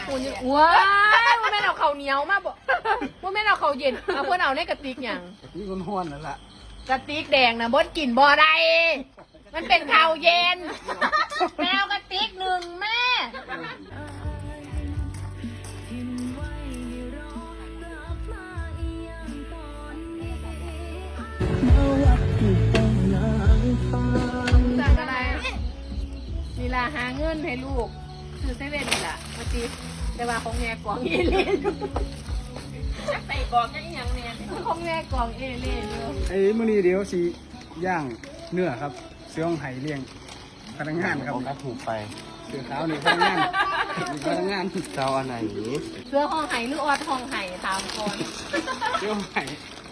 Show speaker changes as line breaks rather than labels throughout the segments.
คุณว้ายว่าแม่นเอาข้าวเหนียวมาบ่ว่าแม่นเอาข้าวเย็นเอาเพื่อนเอาในกระติกอย่าง
นี่คนห้วนนั่นแหละ
กระติกแดงนะบดกินบ่ได้มันเป็นข้าวเย็นแมวกระติกหนึ่งแม่สั่งอะไรนี่ล่ะหาเงินให้ลูกซื้อเซเว่นนี่ล่ะเมื่อกี้แต่ว่าของแง่กล่องเอเล่นใส่กล่องยังยังเนี่ยของแง่กล่องเอเล่นอยู่
ไอ้มื้อนี้เดี๋ยวสิย่างเนื้อครับเสื้อของไห่เลี้ยงพนักงานครับ
ก็ถูกไป
เสื้อขาวนี่พนักงานพนักงาน
เจ้าอันไหน
เสื้อห้องไห่หรือออดห้องไห่ตามคน
เสื้อของไห่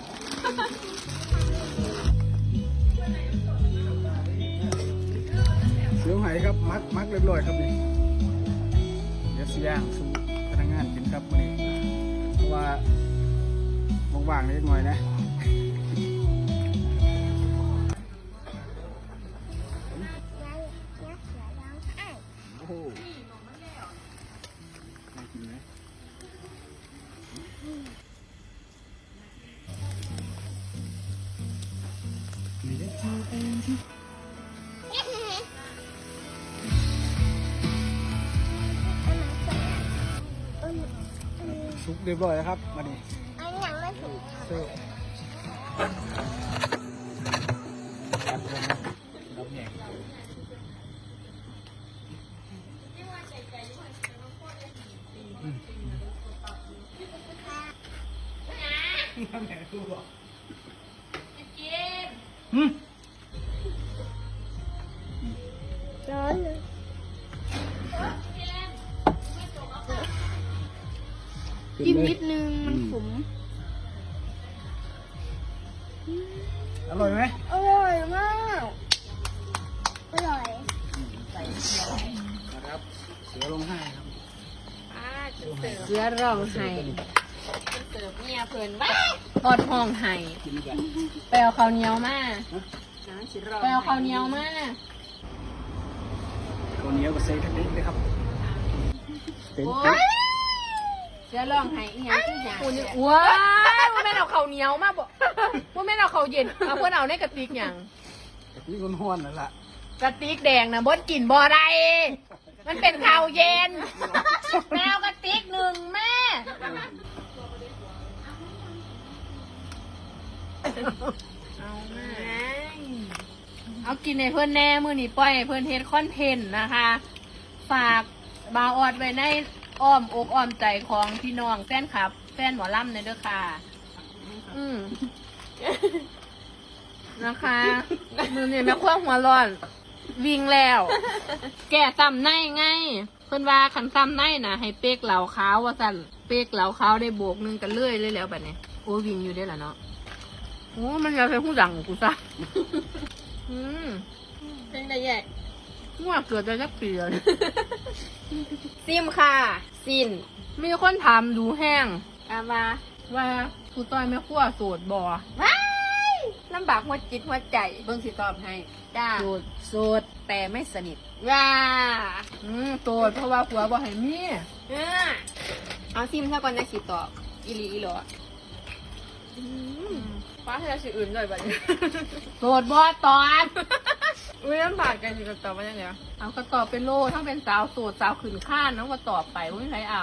เสื้อของไห่ครับมักเรียบร้อยครับนี่เดี๋ยวสิย่างสู่พนักงานกินครับมื้อนี้เพราะว่าว่างๆนิดหน่อยนะโอ้โหน่ากินไหมนี่เด้ซุปเรียบร้อยแล้วครับมาดิเสิร์ฟรับแยกน้ำแหนกูบอก
ร้อนเลย
กินนิด
นึงมันขม
อร่อยไหม
อร่อยมาก
อร่อย
นะครับเสือลงให้ครับ
เสือร้องไห้เสิร์ฟเมียเพิ่นว่าทอดห้องไห้
กินกัน
ไปเอาข้าวเหนียวมาไปเอาข้าวเหนียวมา
ตัวเหนียวกับเซทักนิดเลยครับเต็ม
โอ้
เต็ม
ยเสือร้องไห้อีหยังคือหยังว้ายว่าแม่นเอาข้าวเหนียวมาบ่ว่าแม่นเอาข้าวเย็นเอาเพื่อนเอาในกระติกอย่าง
นี่คนห้วนนั่นแหละ
กระติกแดงนะบดกินบ่ได้มันเป็นข้าวเย็นแมวกระติกหนึ่งแม่เอาแม่เอากินในเพื่อนแน่มือนี่ปล่อยให้เพื่อนเฮ็ดคอนเทนต์นะคะ ฝากบาวออดไว้ในอ้อมอกอ้อมใจของพี่น้องแฟนคลับ แฟนหมอลำในเด้อค่ะ นะคะมือนี่แม่ขั้วหัวร้อน วิ่งแล้ว แก่ซ้ำในไง เพิ่นว่าขันซ้ำในนะให้เป๊กเหลาขาวว่าสั่นเป๊กเหลาขาวได้โบกหนึงกันเลื่อยเลยแล้วแบบนี้โอ้วิ่งอยู่ได้ล่ะเนาะโอ้มันอยากเป็นผู้ดังกูซะเป็นได้ใหญ่ง่วงเกิดได้สักปีแล้วซิมค่ะซินมีคนถามดูแห้งว่ากูต้อยแม่ขั้วโสดบ่ลำบากหัวจิตหัวใจเบิ่งสิตอบให้จ้าโสดแต่ไม่สนิทว้าโสดเพราะว่าผัวบ่ให้มีเอาซิมซะก่อนจะสิตอบอีหลีอีหลอฟ้าให้เราสิอื่นเลยบัดนี้โสดบ่ตอบอุ้ยลำบากกันสิตอบว่ายังไงเอาก็ตอบเป็นโลทั้งเป็นสาวโสดสาวขืนข้านน้องก็ตอบไปว่าไม่ใครเอา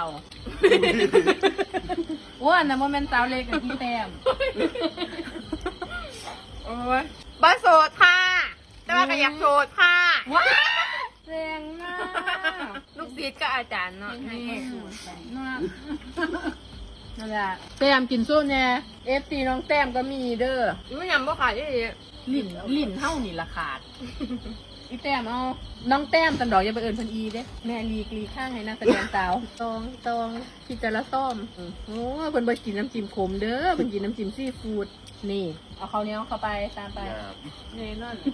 อ้วนนะโมเมนต์สาวเล็กกับพี่แต้มโอ้ยบ้าโสดค่ะแต่ว่าก็อยากโสดค่ะว้าแรงมากลูกศิษย์ก็อาจารย์เนาะนี่นั่นแหละแต้มกินโซ่แน่FTน้องแต้มก็มีเด้อไม่ยำบ่ขาดลิ่นเท่านี่ละขาดอีแต้มเอาน้องแต้มตันดอกอย่าไปเอิญพันอีเด้แม่ลีข้างให้นักแสดงสาวตองพี่จะละส้มโอ้เพิ่นบ่กินน้ำจิ้มขมเด้อเพิ่นกินน้ำจิ้มซีฟู้ดนี่เอาข้าวเหนียวเข้าไปตามไปนี่นั่น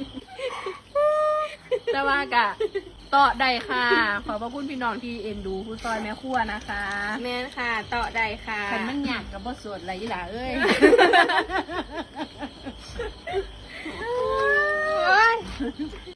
แต่ว่ากะต่อได้ค่ะขอบพระคุณพี่น้องที่เอ็นดูผู้ซอยแม่ครัวนะคะแม่ค่ะต่อได้ค่ะคันมันหยากกับบ่สดอะไรยี่หล่ะเอ้ย